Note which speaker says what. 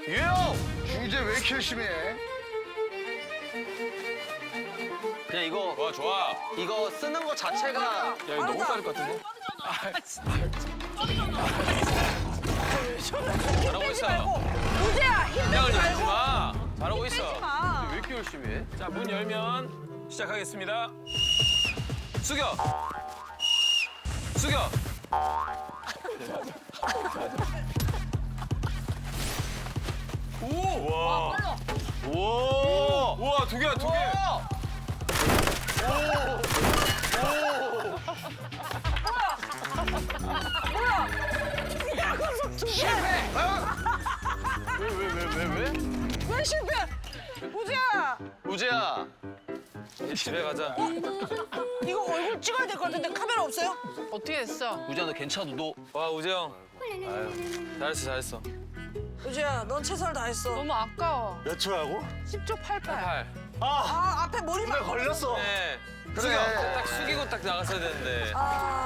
Speaker 1: 중재 왜 이렇게 열심히 해?
Speaker 2: 그냥 이거
Speaker 3: 좋아 좋아.
Speaker 2: 이거 쓰는 거 자체가
Speaker 3: 야 이거 너무 빠를 것 같은데? 잘하고 있어.
Speaker 4: 우재야 힘들지
Speaker 3: 긴장을 내지
Speaker 4: 말고.
Speaker 3: 마. 잘하고 있어.
Speaker 4: 빼지 마.
Speaker 2: 왜 이렇게 열심히 해?
Speaker 3: 자, 문 열면 시작하겠습니다. 숙여. 숙여. 오! 와.
Speaker 2: 오!
Speaker 3: 우와, 두 개야, 두 개.
Speaker 2: 왜?
Speaker 4: 왜 실패? 우재야
Speaker 2: 우재야.
Speaker 3: 이제 집에 가자.
Speaker 4: 이거 얼굴 찍어야 될 것 같은데 카메라 없어요?
Speaker 5: 어떻게 됐어?
Speaker 2: 우재야 너 괜찮아? 너
Speaker 3: 와, 우재형. 잘했어, 잘했어.
Speaker 4: 우재야 넌 최선을 다했어.
Speaker 5: 너무 아까워.
Speaker 1: 몇 초라고?
Speaker 5: 10초 88.
Speaker 3: 8.
Speaker 4: 아 앞에 머리만
Speaker 1: 걸렸어.
Speaker 3: 네.
Speaker 1: 그래.
Speaker 3: 숙여. 딱 숙이고 딱 나갔어야 되는데.
Speaker 4: 아